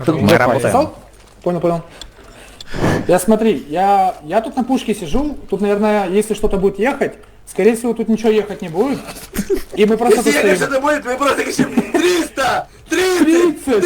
Мы работаем. Сказал? Понял. Я смотри, я тут на пушке сижу, тут, наверное, если что-то будет ехать, скорее всего, тут ничего ехать не будет. И мы просто тут Если стоим. что-то будет, мы просто кричим 300! 30!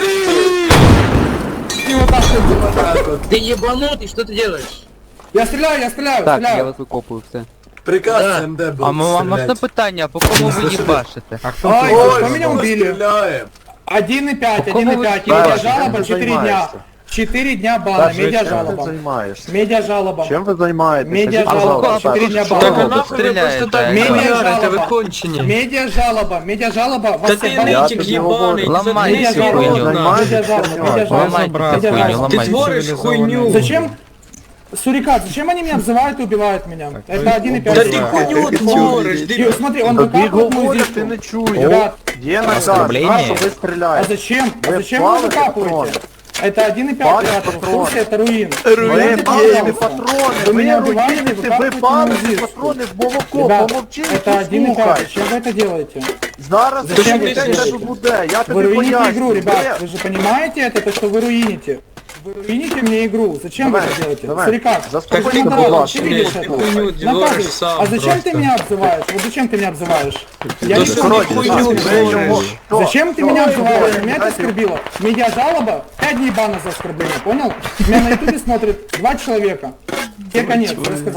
И вот так вот. Ты ебанутый, что ты делаешь? Я стреляю! Так, я вас викопую, все. Приказ МД был А можна питання, по кому ви їбашите? Ай, Ой, по меня мы убили. стреляем. 1,5, кому 1,5. вы Медиа стреляете? жалоба, 4 дня. 4 дня бана, медиа Чем ты жалоба. занимаешься? Медиа жалоба. Чем вы занимаетесь? Медиа Идите, жалоба, пожалуйста. 4 дня Так, бана. а нахуй ви просто так Медиа это вы жалоба. кончені. Медиа жалоба. Вас Та всех ти банят. Я нитик тобі єбаний, говорю. Ламайте Медиа цю жалоба, хуйню. медиа жалоба, медиа жалоба, Ламайте медиа цю хуйню, жалоба. Ты ламайте. творишь хуйню. Зачем? Сурикат, зачем они меня обзывают и убивают меня? Это 1,5. Да ты хуйню творишь, И, смотри, он Тобі выкапывает мою говорять, ти зишку. не чуєш. Ребят, Є наказ, Оскорблення? що ви а стріляєте. зачем? А Вы зачем вы палите выкапываете? патроны. Это 1,5, Палите ребята, в патроны. курсе, это руин. Ви Руин, палите патрони, Вы меня ви убиваете, руїните, вы ви капаете палите мою патрони в молоко, Ребят, помовчи это і 1,5, слухай. зачем вы это делаете? Зараз Зачем ти ви це те, що робите? буде, я Вы тобі руините игру, поясню. ребят, вы же понимаете это, то, что вы руините? Вы руините мне игру, зачем Давай, вы это делаете? давай. Сурикат, Заспокойся, ты будь наказан, ласка. ты видишь Ты это? хуйню Наказывай. творишь сам А зачем ты просто. меня обзываешь? Вот зачем ты меня обзываешь? Я Да не что понял. ты хуйню творишь? Зачем ты меня обзываешь? Меня это оскорбило. Медиа жалоба, 5 дней бана за оскорбление, понял? Меня на ютубе смотрит 2 человека. Тебе конец, я сказал.